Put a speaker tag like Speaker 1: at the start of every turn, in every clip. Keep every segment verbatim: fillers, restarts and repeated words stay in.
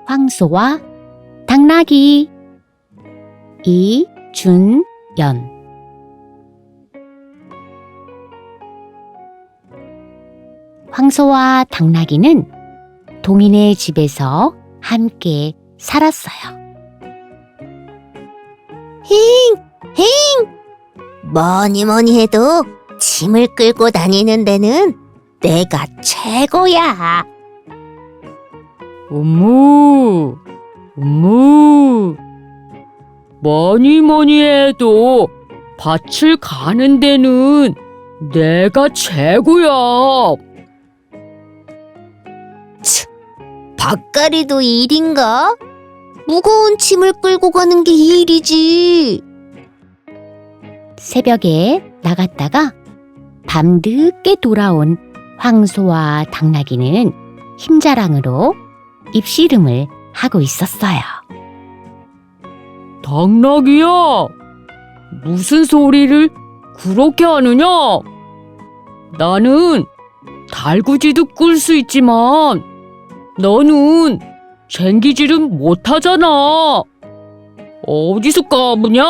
Speaker 1: 황소와 당나귀. 이준연. 황소와 당나귀는 동인의 집에서 함께 살았어요.
Speaker 2: 힝! 힝! 뭐니 뭐니 해도 짐을 끌고 다니는 데는 내가 최고야.
Speaker 3: 엄무, 엄무. 뭐니 뭐니 해도 밭을 가는 데는 내가 최고야.
Speaker 2: 밭갈이도 일인가? 무거운 짐을 끌고 가는 게 일이지.
Speaker 1: 새벽에 나갔다가 밤늦게 돌아온 황소와 당나귀는 힘자랑으로 입씨름을 하고 있었어요.
Speaker 3: 당나귀야, 무슨 소리를 그렇게 하느냐? 나는 달구지도 끌 수 있지만 너는 쟁기질은 못하잖아. 어디서 까부냐?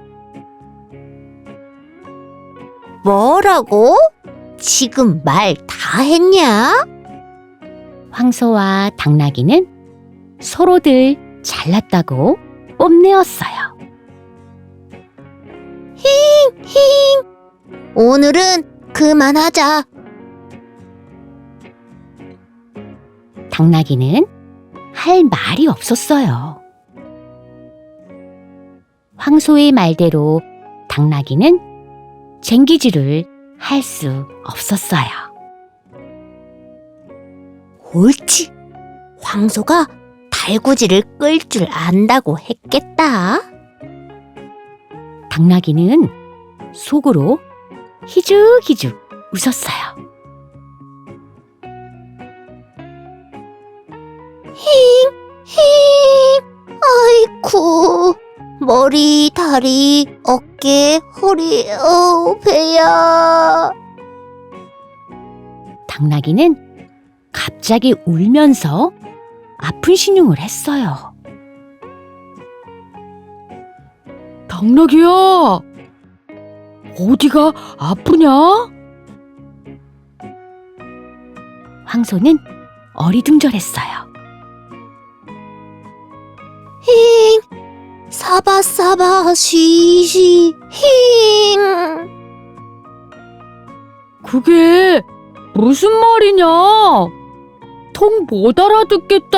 Speaker 2: 뭐라고? 지금 말 다 했냐?
Speaker 1: 황소와 당나귀는 서로들 잘났다고 뽐내었어요.
Speaker 2: 힝! 오늘은 그만하자.
Speaker 1: 당나귀는 할 말이 없었어요. 황소의 말대로 당나귀는 쟁기질을 할 수 없었어요.
Speaker 2: 옳지. 황소가 달구지를 끌 줄 안다고 했겠다.
Speaker 1: 당나귀는 속으로 희죽희죽 웃었어요.
Speaker 2: 힝! 힝! 아이쿠. 머리, 다리, 어깨, 허리, 어, 배야.
Speaker 1: 당나귀는 갑자기 울면서 아픈 신용을 했어요.
Speaker 3: 당나귀야, 어디가 아프냐?
Speaker 1: 황소는 어리둥절했어요.
Speaker 2: 힝! 사바사바 쉬쉬 힝!
Speaker 3: 그게 무슨 말이냐? 통 못 알아듣겠다.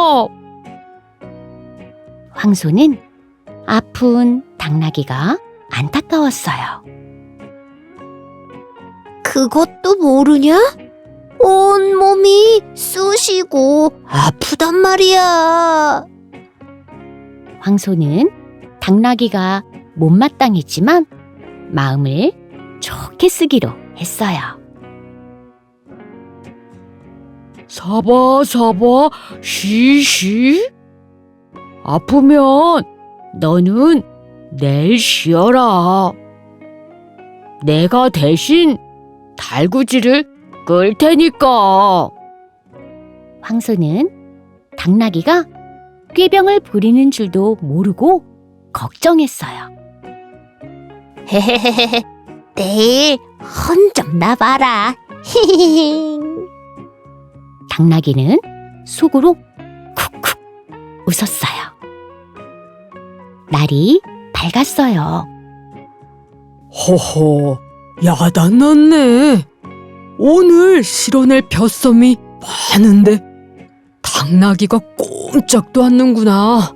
Speaker 1: 황소는 아픈 당나귀가 안타까웠어요.
Speaker 2: 그것도 모르냐? 온몸이 쑤시고 아프단 말이야.
Speaker 1: 황소는 당나귀가 못마땅했지만 마음을 좋게 쓰기로 했어요.
Speaker 3: 사바사바 쉬쉬. 아프면 너는 내일 쉬어라. 내가 대신 달구지를 끌 테니까.
Speaker 1: 황소는 당나귀가 꾀병을 부리는 줄도 모르고 걱정했어요.
Speaker 2: 헤헤헤헤. 내일 헌 좀 나봐라. 히히히.
Speaker 1: 당나귀는 속으로 쿡쿡 웃었어요. 날이 밝았어요.
Speaker 4: 허허, 야단났네. 오늘 실어낼 벼섬이 많은데 당나귀가 꼼짝도 않는구나.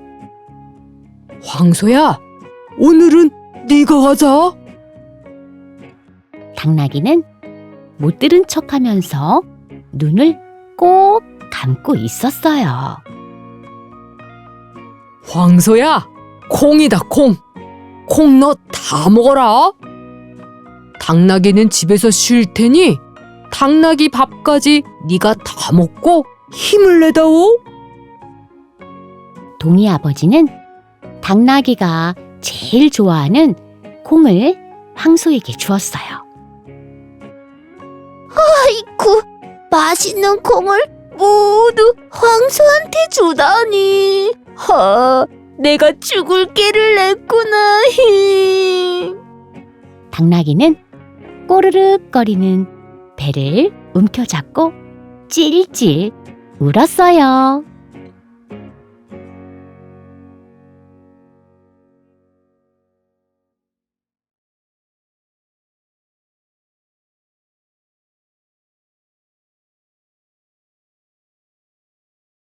Speaker 4: 황소야, 오늘은 네가 가자.
Speaker 1: 당나귀는 못 들은 척하면서 눈을 꼭 감고 있었어요.
Speaker 4: 황소야, 콩이다 콩. 콩 너 다 먹어라. 당나귀는 집에서 쉴 테니 당나귀 밥까지 네가 다 먹고 힘을 내다오.
Speaker 1: 동이 아버지는 당나귀가 제일 좋아하는 콩을 황소에게 주었어요.
Speaker 2: 아이쿠, 맛있는 콩을 모두 황소한테 주다니. 하, 내가 죽을 깨를 냈구나. 히.
Speaker 1: 당나귀는 꼬르륵거리는 배를 움켜잡고 찔찔 울었어요.